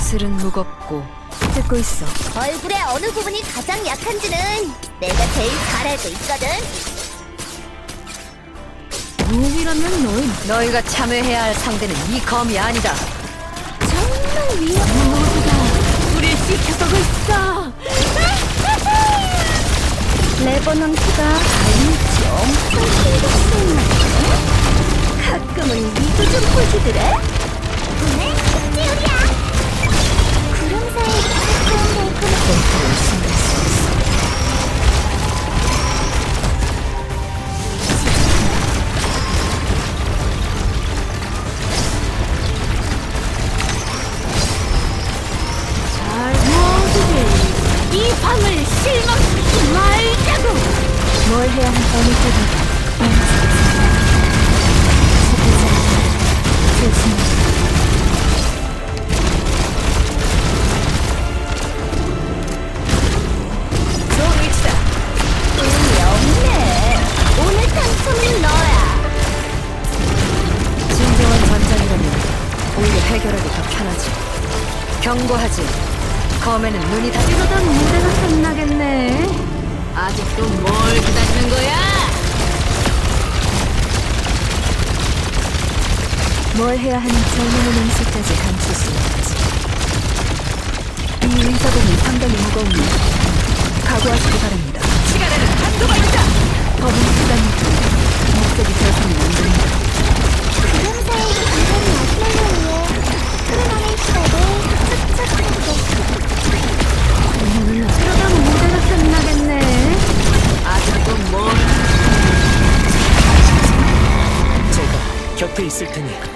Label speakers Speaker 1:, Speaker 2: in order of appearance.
Speaker 1: 예술은 무겁고. 듣고 있어.
Speaker 2: 얼굴의 어느 부분이 가장 약한지는 내가 제일 잘 알고 있거든.
Speaker 1: 몸이라면 너희가 참여해야 할 상대는 이 검이 아니다.
Speaker 2: 정말
Speaker 1: 모두가 우릴 지켜보고 있어.
Speaker 2: 레버넌트가 알미치 엄청 신경 쓰이나 보네. 가끔은 니도 좀 보시더래. 오늘 특지요리야. 구름 사이 달콤달콤
Speaker 1: 신경 쓰고 있어.
Speaker 2: 이 밤을 실망시키지 말자고.
Speaker 1: 뭘 해야 할 어느 때보다 종이치다.
Speaker 2: 운이 없네. 오늘 당첨은 너야.
Speaker 1: 진정한 전장이라면 오히려 해결하기 더 편하지. 경고하지. 검에는 눈이 다 이러다 무대가 끝나겠네. 아직도 뭘 기다리는 거야? 뭘 해야 하는 젊은 음식까지 감출 수 없지. 이 의사봉이 상당히 무거우니 각오하시기 바랍니다. 시간에는 한도가 있다. 법은 수단이고 목적이 되어서는 안 됩니다.
Speaker 2: 구름 사이 구름 마시멜로 위에 흐르는 시간을 착착하게.
Speaker 1: 그러다 무대가 끝나겠네. 아직도 뭘?
Speaker 3: 제가 곁에 있을 테니